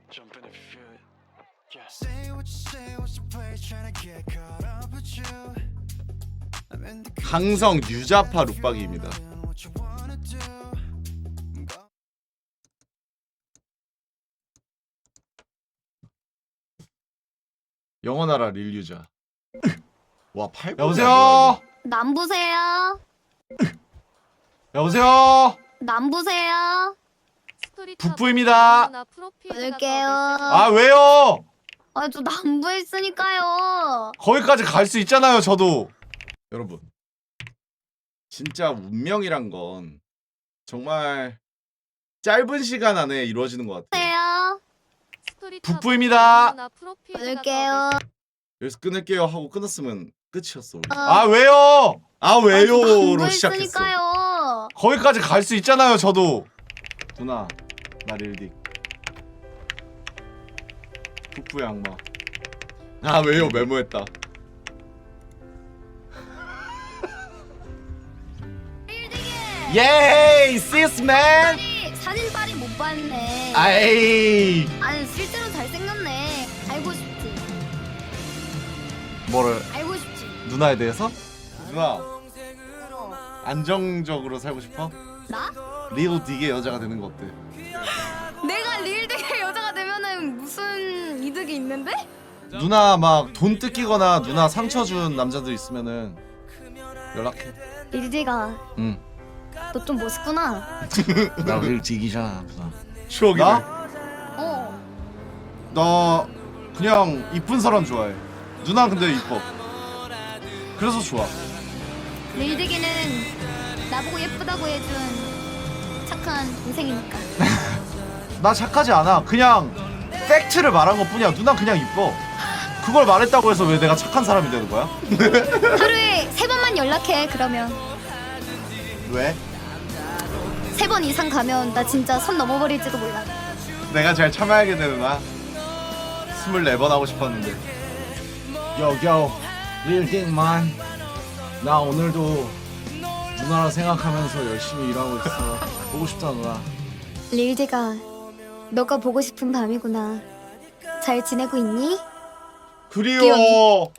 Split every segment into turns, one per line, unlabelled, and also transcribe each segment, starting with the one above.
Jump in if you feel it. Yeah.
Say what you say, what's the play, trying to get caught up with you. I'm in the
강성 유자파 룩박이입니다.
what you wanna do.
영원하라 릴유자. 와 8번.
여보세요?
남부세요.
여보세요?
남부세요.
북부입니다.
끊을게요.
아 왜요?
아, 저 남부에 있으니까요.
거기까지 갈 수 있잖아요 저도.
여러분 진짜 운명이란 건 정말 짧은 시간 안에 이루어지는 것 같아요.
세요.
북부입니다.
끊을게요.
여기서 끊을게요 하고 끊었으면 끝이었어.
아 왜요?
아
저
왜요로
남부에
시작했어.
있으니까요.
거기까지 갈 수 있잖아요 저도.
누나 나 릴딕 북부 양마. 아 왜요 메모했다.
예이 시스맨.
사진 빨이 못 봤네.
아이
아니, 실제로 잘생겼네. 알고 싶지.
뭐를
알고 싶지.
누나에 대해서?
누나
어.
안정적으로 살고 싶어?
나?
릴딕의 여자가 되는 거 어때?
내가 릴드의 여자가 되면은 무슨 이득이 있는데?
누나 막 돈 뜯기거나 누나 상처 준 남자들 있으면은 연락해.
릴드가
응.
너 좀 멋있구나.
나 릴딕이잖아 누나. 추억이네.
나?
어.
나 그냥 이쁜 사람 좋아해. 누나 근데 이뻐. 그래서 좋아.
릴드기는 나보고 예쁘다고 해준 착한 동생이니까.
나 착하지 않아. 그냥 팩트를 말한 것 뿐이야. 누나 그냥 이뻐. 그걸 말했다고 해서 왜 내가 착한 사람이 되는 거야?
하루에 3번만 연락해. 그러면
왜?
3번 이상 가면 나 진짜 선 넘어버릴지도 몰라.
내가 잘 참아야겠네 누나. 24번 하고 싶었는데.
여겨 릴딕만. 나 오늘도 누나라 생각하면서 열심히 일하고 있어. 보고 싶다 누나.
릴드가 너가 보고 싶은 밤이구나. 잘 지내고 있니?
그리워.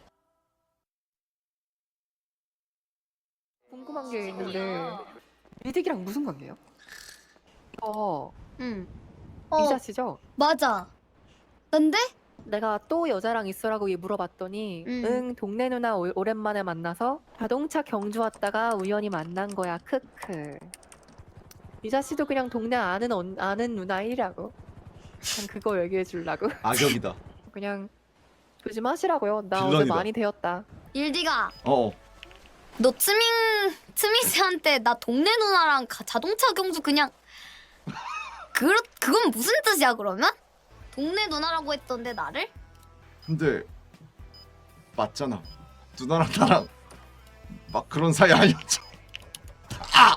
궁금한 게 있는데 리딕이랑 무슨 관계예요?
응.
이자 씨죠?
맞아. 근데?
내가 또 여자랑 있어라고 물어봤더니 응 동네 누나 오랜만에 만나서 자동차 경주 왔다가 우연히 만난 거야 크크. 이자 씨도 그냥 동네 아는 누나이라고. 그냥 그거 얘기해 주려고.
악역이다.
그냥 조심하시라고요. 나 어제
빌런이다.
많이 되었다.
릴디가
어.
너 트미씨한테 나 동네 누나랑 자동차 경주 그냥 그건 무슨 뜻이야 그러면? 동네 누나라고 했던데 나를?
근데 맞잖아. 누나랑 나랑 막 그런 사이 아니었죠. 아!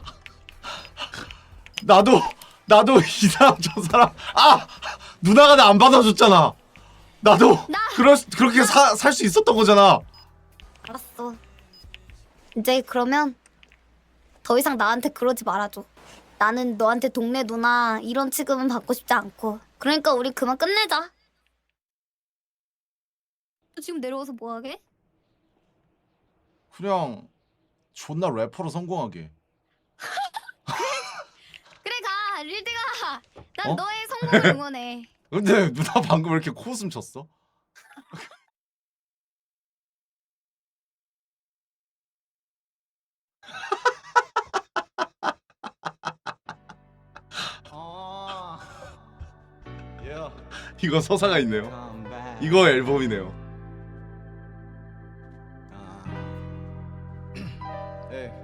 나도 이 사람 저 사람 누나가 나 안 받아줬잖아. 나도 그렇게 살 수 있었던 거잖아.
알았어. 이제 그러면 더 이상 나한테 그러지 말아줘. 나는 너한테 동네 누나 이런 취급은 받고 싶지 않고. 그러니까 우리 그만 끝내자. 너 지금 내려와서 뭐하게?
그냥 존나 래퍼로 성공하게.
그래 가 릴드가. 난
어?
너의 성공을 응원해.
근데 누나 방금 왜 이렇게 코웃음 쳤어? 이거 서사가 있네요. 이거 앨범이네요. 네.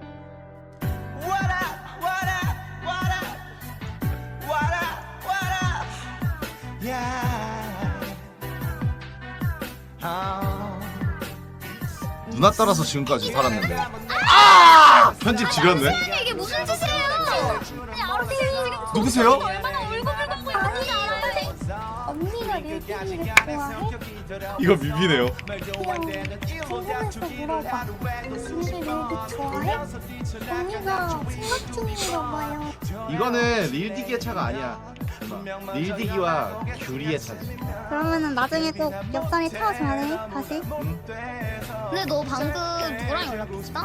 누나 따라서 지금까지 살았는데. 편집 지렸네.
이게 무슨 짓이에요?
누구세요?
얼마나 울고불고 있는지 알아요?
언니가 릴딩이를 좋아해?
이거 뮤비네요.
궁금해서 물어봐. 언니 릴딩 좋아해? 언니가 생각 중인가 봐요.
이거는 릴딕의 차가 아니야. 누나. 릴디기와 규리의 차지.
그러면은 나중에 꼭 옆자리 태워줘야 돼 다시.
근데 너 방금 누구랑 연락했어?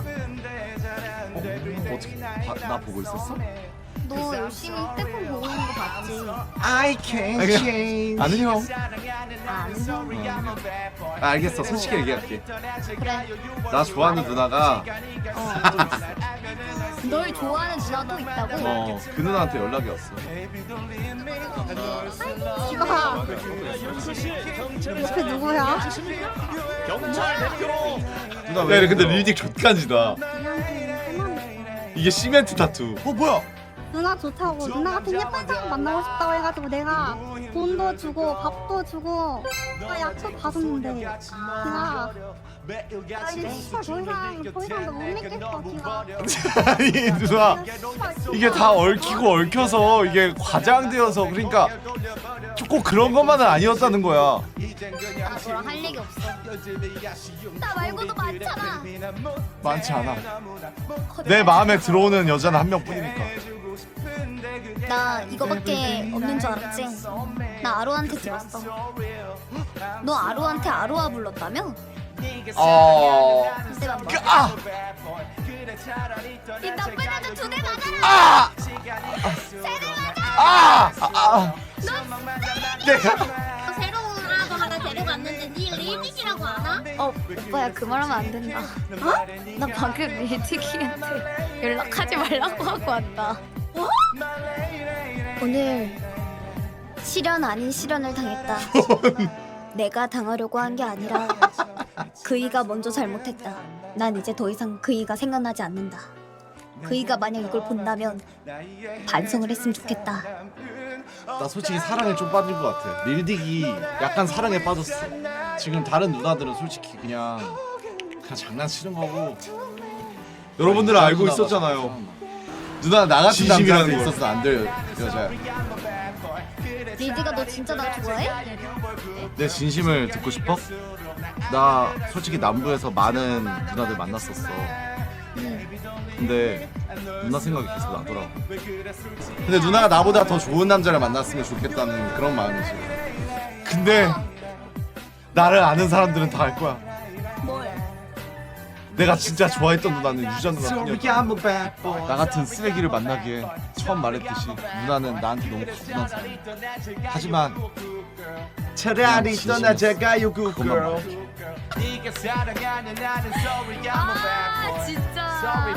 어떻게 나 보고 있었어?
너 열심히 휴대폰 보고 있는 거 봤지?
I can change. 아는 형.
아는 형?
아, 알겠어. 솔직히 얘기할게.
그래.
나 좋아하는 누나가
널 좋아하는 누나도 있다고?
그 누나한테 연락이 왔어.
이봐. 옆에 누구야?
누나 왜? 근데 릴딕 족간지다. 이게 시멘트 타투.
뭐야?
누나 좋다고 누나 같은 예쁜 사람 만나고 싶다고 해가지고 내가 돈도 주고 밥도 주고 나 약속 받았는데 기가 아 이제 씨발 더 이상 너못 믿겠어 기가.
아니 누나 이게 다 얽히고 얽혀서 이게 과장되어서 그러니까 꼭 그런 것만은 아니었다는 거야.
나 너랑 할 얘기 없어. 나 말고도 많잖아.
많지 않아. 내 마음에 들어오는 여자는 한 명뿐이니까.
나 이거밖에 없는 줄 알았지? 나 아루한테 들었어. 너 아루한테 아루아 불렀다며? 그때만 봐. 이 나쁜 애들 2대 맞아라! 세대 맞아!
내가
새로운 아도 하나 데려갔는데 니 리딩이라고 아나?
오빠야 그 말하면 안 된다. 어? 나 방금 리티키한테 연락하지 말라고 하고 왔다. 오늘 실현 아닌 실현을 당했다. 내가 당하려고 한 게 아니라 그이가 먼저 잘못했다. 난 이제 더 이상 그이가 생각나지 않는다. 그이가 만약 이걸 본다면 반성을 했으면 좋겠다.
나 솔직히 사랑에 좀 빠진 것 같아. 릴딕이 약간 사랑에 빠졌어. 지금 다른 누나들은 솔직히 그냥 장난치는 거고.
여러분들은 알고 있었잖아요. 누나 나 같은
진심이라는
남자한테
게
있었어.
있었어 안 될 여자야.
리디가 너 진짜 나 좋아해?
내 진심을 듣고 싶어? 나 솔직히 남부에서 많은 누나들 만났었어. 근데 누나 생각이 계속 나더라고.
근데 누나가 나보다 더 좋은 남자를 만났으면 좋겠다는 그런 마음이지. 근데 나를 아는 사람들은 다 알 거야. 내가 진짜 좋아했던 누나는 유전 누나뿐이었다. 나 같은 쓰레기를 만나기에 처음 말했듯이 누나는 나한테 너무 거분한 사람. 하지만
차라리 떠나자가요
그것만 말해.
아 진짜.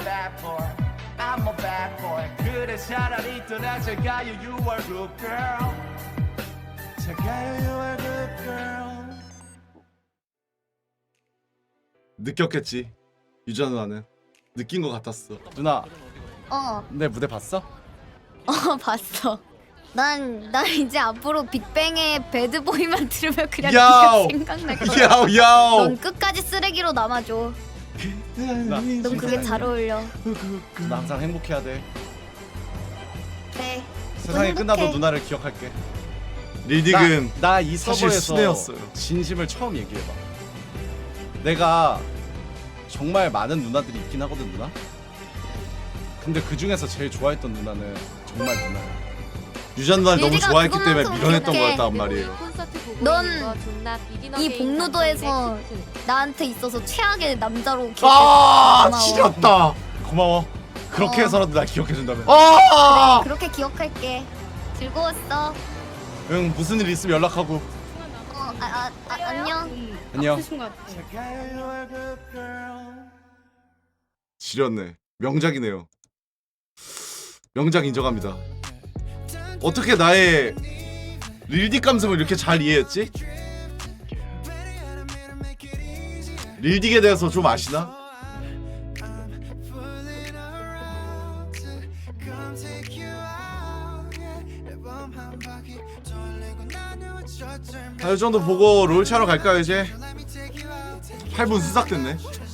느꼈겠지. 유전 누나는 느낀 것 같았어. 누나 내 무대 봤어?
봤어. 난 이제 앞으로 빅뱅의 배드보이만 들으면 그냥
야오!
네가 생각날 거야.
야오 야오.
넌 끝까지 쓰레기로 남아줘. 넌 그게 잘 어울려.
나 항상 행복해야 돼.
그래.
세상이
행복해.
끝나도 누나를 기억할게. 릴딕은
나 이
사실
서버에서
순애였어요.
진심을 처음 얘기해봐. 내가 정말 많은 누나들이 있긴 하거든 누나. 근데 그 중에서 제일 좋아했던 누나는 정말 누나야.
유전 누나를 너무
릴딕아
좋아했기 때문에
그것만큼
밀어냈던
기억해.
거였단 말이에요.
넌 이 복로도에서 나한테 있어서 최악의 남자로
아
고마워.
지렸다.
고마워. 그렇게
어.
해서라도 날 기억해준다면.
아.
그렇게 기억할게. 즐거웠어.
응 무슨 일 있으면 연락하고.
안녕.
안녕.
지렸네. 명작이네요. 명작 인정합니다. 어떻게 나의 릴딕 감성을 이렇게 잘 이해했지? 릴딕에 대해서 좀 아시나? 이 정도 보고 롤 차러 갈까요 이제? 8분 수삭됐네.